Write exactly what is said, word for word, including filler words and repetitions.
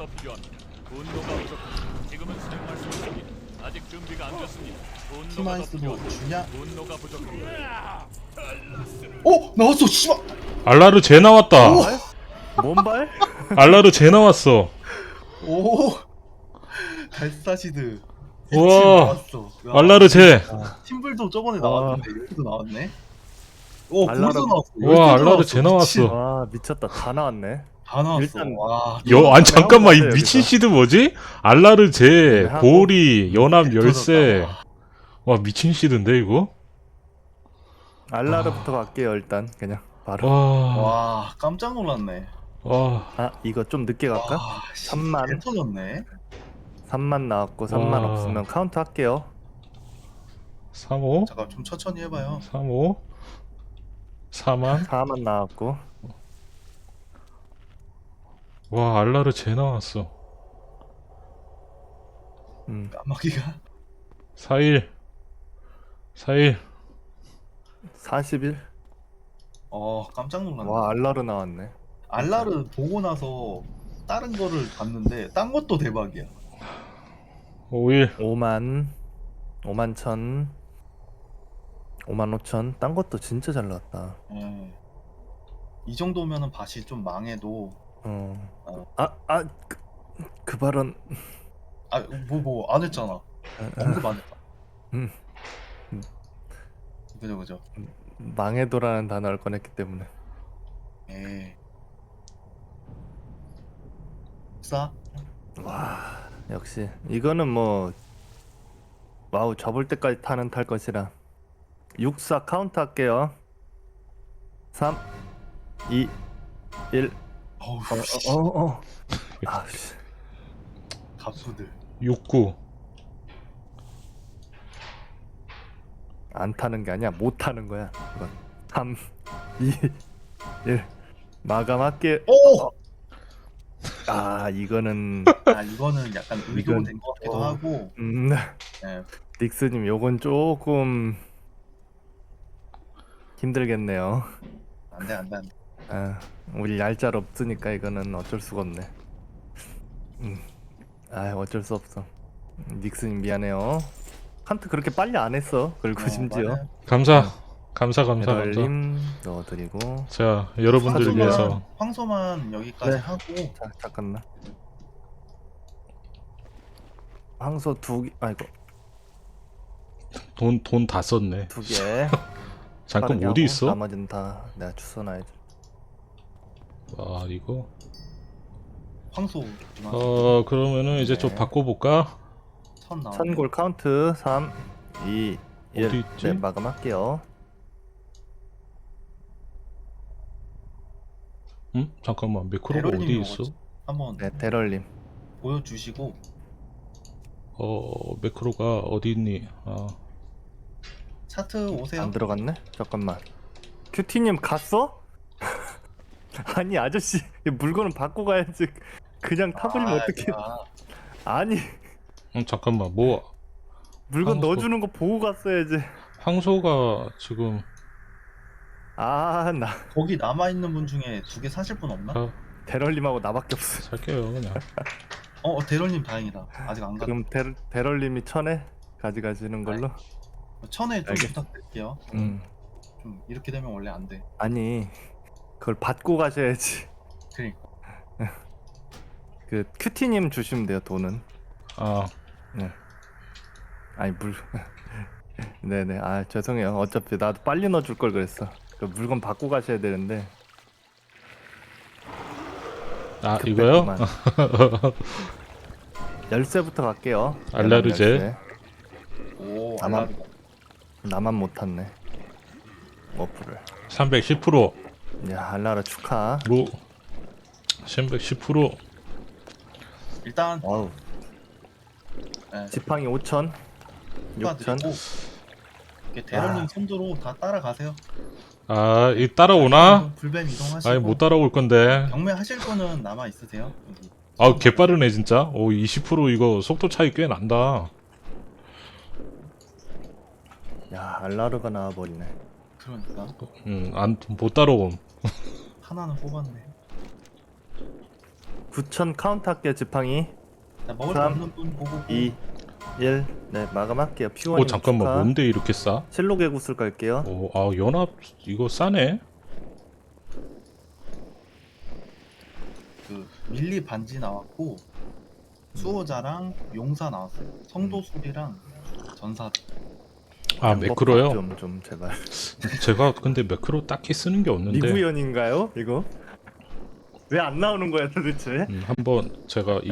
더 필요합니다. 분노가 부족합니다. 지금은 사용할 수 없습니다. 아직 준비가 안 됐습니다. 분노가 더 티마이스도 필요합니다. 주냐? 분노가 부족합니다. 어 나왔어 씨발. 알라르 제 나왔다. 뭔발? 알라르 제 나왔어. 오 달사시드. 우와. 나왔어. 야, 알라르 제. 팀블도 저번에 아. 나왔는데 여기도 나왔네. 오 알라르- 벌써 나왔어. 우와, 열두 개 알라르 제 미친. 나왔어. 와 미쳤다. 다 나왔네. 다 나왔어. 일단- 와. 여, 아니 잠깐만 이 한번 미친 여기서. 시드 뭐지? 알라르 제, 네, 하고. 보리, 연합 열쇠. 터졌다. 와 미친 시드인데 이거? 알라르부터 갈게요 일단 그냥 바로. 와, 와 깜짝 놀랐네. 와, 아 이거 좀 늦게 갈까? 와, 씨, 삼만. 개 터졌네. 삼만 나왔고 삼만 와. 없으면 카운트 할게요. 삼오, 잠깐 좀 천천히 해봐요. 삼오, 사만. 사만 나왔고. 와 알라르 제 나왔어. 음 까마귀가. 사일, 사일. 사십일. 어 깜짝 놀랐네. 와 알라르 나왔네. 알라르 보고 나서 다른 거를 봤는데 딴 것도 대박이야. 오일, 오만. 오만 천. 오만 오천. 딴 것도 진짜 잘 나왔다. 예. 이 정도면은 밭이 좀 망해도 어. 아아 그, 그 발언. 아 뭐 뭐 안 했잖아. 언급 안 했다. 음. 그죠 그죠. 망해도라는 단어를 꺼냈기 때문에. 예. 싸? 와 역시 이거는 뭐 와우 접을 때까지 타는 탈 것이라. 육사 카운트 할게요. 삼 이 일. 어우 씨. 어어 아씨. 갑수들. 육구. 안 타는 게 아니야 못 타는 거야 이건. 삼 이 일 마감할게. 오! 아 이거는 아 이거는 약간 이건- 의도된 것 같기도 어. 하고. 음 예. 닉스님 요건 조금 힘들겠네요. 안돼 안돼 안돼. 아, 우리 얄짤 없으니까 이거는 어쩔 수가 없네. 음, 아 어쩔 수 없어. 닉스님 미안해요. 한트 그렇게 빨리 안 했어. 그리고 어, 심지어 맞아요. 감사, 감사, 감사, 감사. 배럴님 넣어드리고. 자 여러분들을 황소만- 위해서 황소만 여기까지 네. 하고. 자 잠깐만. 황소 두 개, 아이고 돈 돈 다 썼네. 두 개. 잠깐 빠르게 어디 하고 있어? 나머지는 다 내가 주워놔야지. 아 이거. 황소. 어 그러면은 이제 좀 네. 바꿔볼까? 천 나와. 천골 카운트 삼, 이, 일. 어디 있지? 네, 마감할게요. 응? 잠깐만 매크로가 배럴님이 어디 있어? 먹었지. 한번 네, 대럴님. 보여주시고. 어 매크로가 어디 있니? 아 차트 오세요. 안 들어갔네? 잠깐만. 큐티님 갔어? 아니 아저씨 물건은 받고 가야지. 그냥 타버리면 아, 어떡해. 야. 아니 음, 잠깐만 뭐 물건 황소. 넣어주는 거 보고 갔어야지. 황소가 지금 아 나 거기 남아 있는 분 중에 두 개 사실 분 없나? 아, 대럴님하고 나밖에 없어. 살게요 그냥. 어 대럴님 다행이다. 아직 안 가. 그럼 대, 대럴님이 천에 가져가시는 걸로. 천에 좀 알겠- 부탁드릴게요. 음 좀 이렇게 되면 원래 안 돼. 아니 그걸 받고 가셔야지. 그러니까. 그 큐티님 주시면 돼요 돈은. 아 네. 아니 물. 네네. 아 죄송해요. 어차피 나도 빨리 넣어줄 걸 그랬어. 그 물건 받고 가셔야 되는데. 아 이거요? 급했구만. 열쇠부터 갈게요. 알라르제. 열쇠. 오 나만- 알라르. 나만 못 탔네. 워프를. 삼백십 퍼센트 야 알라르 축하. 로 삼백십 퍼센트 일단 와우. 네, 지팡이 오천. 육천. 축하드리고. 이렇게 대럴님 아. 선두로 다 따라가세요. 아, 이 따라오나? 불뱀 이동하시고. 아니 못 따라올 건데. 경매 하실 거는 남아 있으세요? 여기. 아, 개빠르네 진짜. 오, 이십 퍼센트 이거 속도 차이 꽤 난다. 야 알라르가 나와버리네. 그러니까 음, 안 못 따라옴. 하나는 뽑았네. 구천 카운트 할게요 지팡이. 자, 먹을 거 삼, 없는 분 보고 이, 일. 네 마감할게요. 피곤이 어 잠깐만 축하. 뭔데 이렇게 싸? 실록의 구슬 갈게요. 오, 아 연합 이거 싸네. 그 밀리 반지 나왔고 수호자랑 용사 나왔어요. 성도술이랑 전사. 아 매크로요? 좀좀 좀 제발. 제가 근데 매크로 딱히 쓰는 게 없는데 미구연인가요 이거? 왜 안 나오는 거야 도대체? 음, 한번 제가